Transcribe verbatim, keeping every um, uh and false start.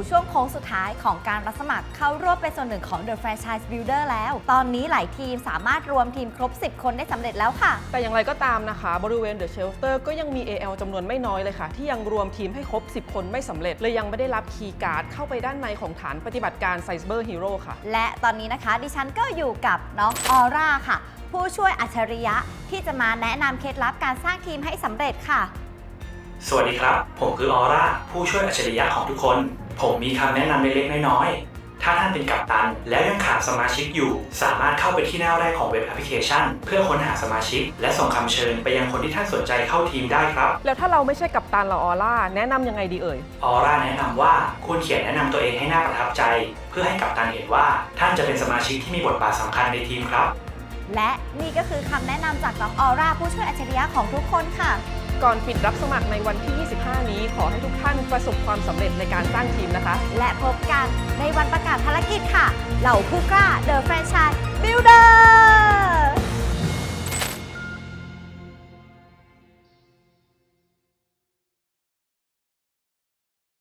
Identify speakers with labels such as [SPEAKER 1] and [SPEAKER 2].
[SPEAKER 1] ช่วงโค้งสุดท้ายของการรับสมัครเข้าร่วมเป็นส่วนหนึ่งของ The Franchise Builder แล้ว ตอนนี้หลายทีมสามารถรวมทีมครบ สิบ คนได้สำเร็จแล้วค่ะ
[SPEAKER 2] แต่อย่างไรก็ตามนะคะบริเวณ The Shelter ก็ยังมี เอ แอล จำนวนไม่น้อยเลยค่ะที่ยังรวมทีมให้ครบ สิบ คนไม่สำเร็จเลยยังไม่ได้รับคีย์การ์ดเข้าไปด้านในของฐานปฏิบัติการ Cyber Hero ค่ะ
[SPEAKER 1] และตอนนี้นะคะดิฉันก็อยู่กับน้องออร่าค่ะผู้ช่วยอัจฉริยะที่จะมาแนะนำเคล็ดลับการสร้างทีมให้สำเร็จค่ะ
[SPEAKER 3] สวัสดีครับผมคือออร่าผู้ช่วยอัจฉริยะของทุกคนผมมีคำแนะนำเล็กๆน้อยๆถ้าท่านเป็นกัปตันแล้วยังขาดสมาชิกอยู่สามารถเข้าไปที่หน้าแรกของเว็บแอปพลิเคชันเพื่อค้นหาสมาชิกและส่งคำเชิญไปยังคนที่ท่านสนใจเข้าทีมได้ครับ
[SPEAKER 2] แล้วถ้าเราไม่ใช่กัปตันเราออร่าแนะนำยังไงดีเอ่ย
[SPEAKER 3] ออร่าแนะนำว่าคุณเขียนแนะนำตัวเองให้น่าประทับใจเพื่อให้กัปตันเห็นว่าท่านจะเป็นสมาชิกที่มีบทบาทสำคัญในทีมครับ
[SPEAKER 1] และนี่ก็คือคำแนะนำจากน้องออร่าผู้ช่วยอัจฉริยะของทุกคนค่ะ
[SPEAKER 2] ก่อนปิดรับสมัครในวันที่ ยี่สิบห้า นี้ขอให้ทุกท่านประสบความสำเร็จในการสร้างทีมนะคะ
[SPEAKER 1] และพบกันในวันประกาศภารกิจค่ะเหล่าผู้กล้า The Franchise Builder